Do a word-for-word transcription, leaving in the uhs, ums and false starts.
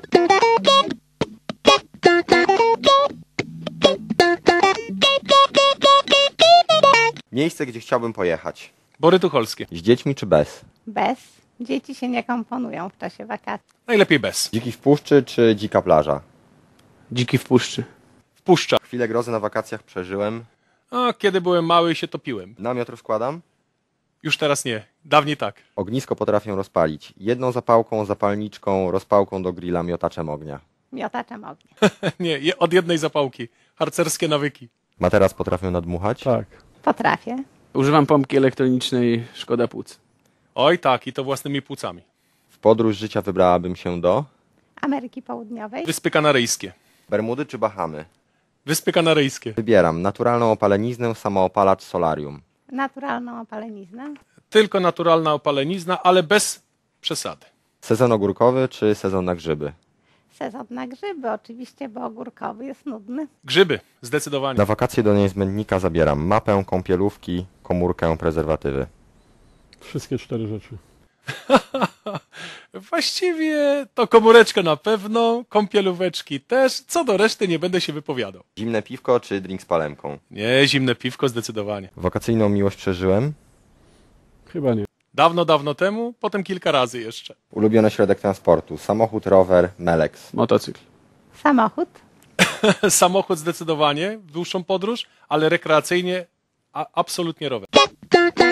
Miejsce, gdzie chciałbym pojechać. Bory Tucholskie. Z dziećmi czy bez? Bez. Dzieci się nie komponują w czasie wakacji. Najlepiej bez. Dziki w puszczy czy dzika plaża? Dziki w puszczy. Wpuszcza. Chwilę grozy na wakacjach przeżyłem. A kiedy byłem mały się topiłem. Namiot rozkładam. Już teraz nie. Dawniej tak. Ognisko potrafię rozpalić. Jedną zapałką, zapalniczką, rozpałką do grilla, miotaczem ognia. Miotaczem ognia. Nie, je- od jednej zapałki. Harcerskie nawyki. Materac potrafię nadmuchać. Tak. Potrafię. Używam pompki elektronicznej, szkoda płuc. Oj tak, i to własnymi płucami. W podróż życia wybrałabym się do Ameryki Południowej. Wyspy Kanaryjskie. Bermudy czy Bahamy. Wyspy Kanaryjskie. Wybieram naturalną opaleniznę, samoopalacz, solarium. Naturalną opaleniznę. Tylko naturalna opalenizna, ale bez przesady. Sezon ogórkowy czy sezon na grzyby. Sezon na grzyby oczywiście, bo ogórkowy jest nudny. Grzyby, zdecydowanie. Na wakacje do niezbędnika zabieram mapę, kąpielówki, komórkę, prezerwatywy. Wszystkie cztery rzeczy. Właściwie to komóreczkę na pewno, kąpielóweczki też. Co do reszty nie będę się wypowiadał. Zimne piwko czy drink z palemką. Nie, zimne piwko zdecydowanie. Wakacyjną miłość przeżyłem. Chyba nie. Dawno, dawno temu, potem kilka razy jeszcze. Ulubiony środek transportu. Samochód, rower, Melex. Motocykl. Samochód. Samochód zdecydowanie w dłuższą podróż, ale rekreacyjnie a, absolutnie rower.